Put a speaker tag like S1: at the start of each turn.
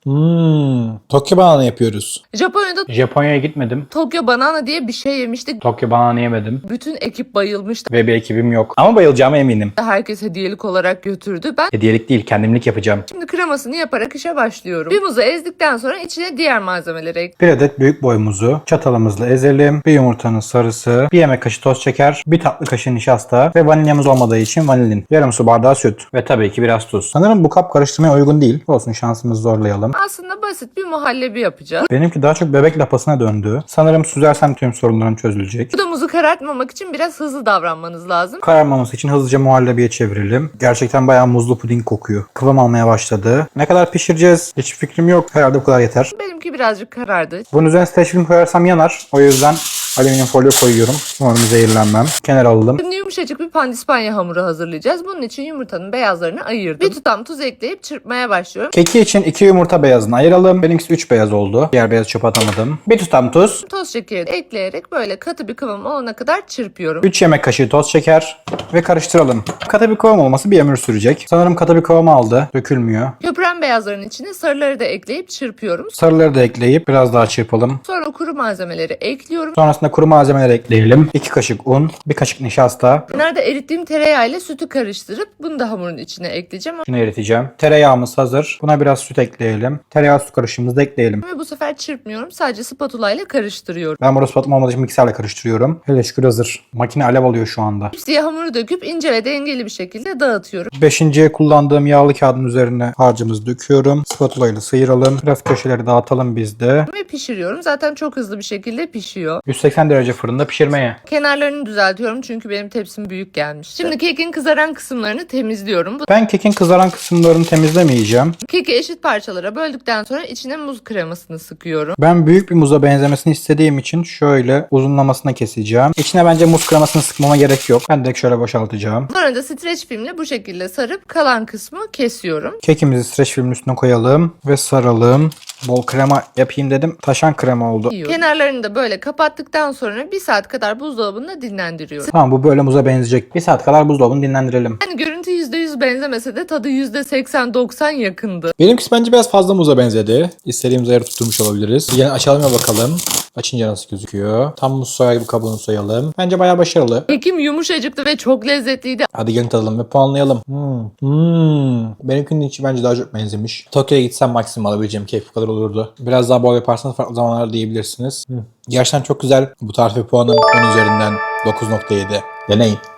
S1: Tokyo banana yapıyoruz.
S2: Japonya'ya gitmedim.
S3: Tokyo Banana diye bir şey yemiştik.
S2: Tokyo banana yemedim.
S3: Bütün ekip bayılmıştı.
S2: Ve bir ekibim yok.
S1: Ama bayılacağıma eminim.
S3: Herkes hediyelik olarak götürdü. Ben
S2: Hediyelik değil, kendimlik yapacağım.
S3: şimdi kremasını yaparak işe başlıyorum. Bir muzu ezdikten sonra içine diğer malzemeleri ekliyorum.
S1: Bir adet büyük boy muzu çatalımızla ezelim. Bir yumurtanın sarısı, bir yemek kaşığı toz şeker, bir tatlı kaşığı nişasta ve vanilyamız olmadığı için vanilin. Yarım su bardağı süt.
S2: Ve tabii ki biraz tuz.
S1: Sanırım bu kap karıştırmaya uygun değil. Olsun, şansımızı zorlayalım.
S3: Aslında basit bir muhallebi yapacağız.
S1: Benimki daha çok bebek lapasına döndü. Sanırım süzersem tüm sorunlarım çözülecek.
S3: Bu da muzu karartmamak için biraz hızlı davranmanız lazım.
S1: Kararmaması için hızlıca muhallebiye çevirelim. Gerçekten bayağı muzlu puding kokuyor. Kıvam almaya başladı. Ne kadar pişireceğiz? Hiç fikrim yok. Herhalde bu kadar yeter.
S3: Benimki birazcık karardı.
S1: Bunun üzerine streç film koyarsam yanar. O yüzden alüminyum folyo koyuyorum. Umarım zehirlenmem. Kenara alalım.
S3: Şimdi yumuşacık bir pandispanya hamuru hazırlayacağız. Bunun için yumurtanın beyazlarını ayırdım. Bir tutam tuz ekleyip çırpmaya başlıyorum.
S1: Keki için 2 yumurta beyazını ayıralım. Benimkisi 3 beyaz oldu. Diğer beyazı çöpe atamadım. Bir tutam tuz.
S3: Toz şekeri ekleyerek böyle katı bir kıvam olana kadar çırpıyorum.
S1: 3 yemek kaşığı toz şeker. Ve karıştıralım. Katı bir kıvam olması bir ömür sürecek. Sanırım katı bir kıvam aldı. Dökülmüyor.
S3: Köpüren beyazların içine sarıları da ekleyip çırpıyorum.
S1: Sarıları da ekleyip biraz daha çırpalım.
S3: Sonra kuru malzemeleri ekliyorum.
S1: Sonrasında kuru malzemeler ekleyelim. 2 kaşık un, 1 kaşık nişasta.
S3: Kenarda erittiğim tereyağı ile sütü karıştırıp bunu da hamurun içine ekleyeceğim.
S1: Şunu eriteceğim. Tereyağımız hazır. Buna biraz süt ekleyelim. Tereyağı su karışımımızı da ekleyelim.
S3: Ve bu sefer çırpmıyorum. Sadece spatula ile karıştırıyorum.
S1: Ben burada spatula olmadığı için mikserle karıştırıyorum. Hele şükür hazır. Makine alev alıyor şu anda.
S3: Tepsiye hamuru döküp ince ve dengeli bir şekilde dağıtıyorum.
S1: 5.'ye kullandığım yağlı kağıdın üzerine harcımızı döküyorum. Spatula ile sıyıralım. Biraz köşeleri dağıtalım biz de.
S3: Ve pişiriyorum. Zaten çok hızlı bir şekilde pişiyor.
S1: 180 derece fırında pişirmeye.
S3: Kenarlarını düzeltiyorum çünkü benim tepsim büyük gelmiş. Şimdi kekin kızaran kısımlarını temizliyorum. Bu
S1: Ben kekin kızaran kısımlarını temizlemeyeceğim.
S3: keki eşit parçalara böldükten sonra içine muz kremasını sıkıyorum.
S1: Ben büyük bir muza benzemesini istediğim için şöyle uzunlamasına keseceğim. İçine bence muz kremasını sıkmama gerek yok. Ben direkt şöyle boşaltacağım.
S3: Sonra da streç filmle bu şekilde sarıp kalan kısmı kesiyorum.
S1: Kekimizi streç filmin üstüne koyalım ve saralım. Bol krema yapayım dedim. Taşan krema oldu.
S3: Kenarlarını da böyle kapattıktan sonra 1 saat kadar buzdolabında dinlendiriyorum.
S1: Tamam, bu böyle muza benzeyecek. 1 saat kadar buzdolabını dinlendirelim.
S3: Yani görüntü %100 benzemese de tadı %80-90 yakındı.
S1: Benimkisi bence biraz fazla muza benzedi. İstediğimiz ayarı tutturmuş olabiliriz. Yine açalım ve bakalım. Açınca nasıl gözüküyor. Tam muz soyar gibi kabuğunu soyalım. Bence bayağı başarılı.
S3: Kekim yumuşacıktı ve çok lezzetliydi.
S1: Hadi gelin tadalım ve puanlayalım. Benimkinin içi bence daha çok benzemiş. Tokyo'ya gitsem maksimum alabileceğim kek bu kadar olurdu. Biraz daha bol yaparsanız farklı zamanlarda diyebilirsiniz. Gerçekten çok güzel. Bu tarife puanım 10 üzerinden 9.7. Deneyin.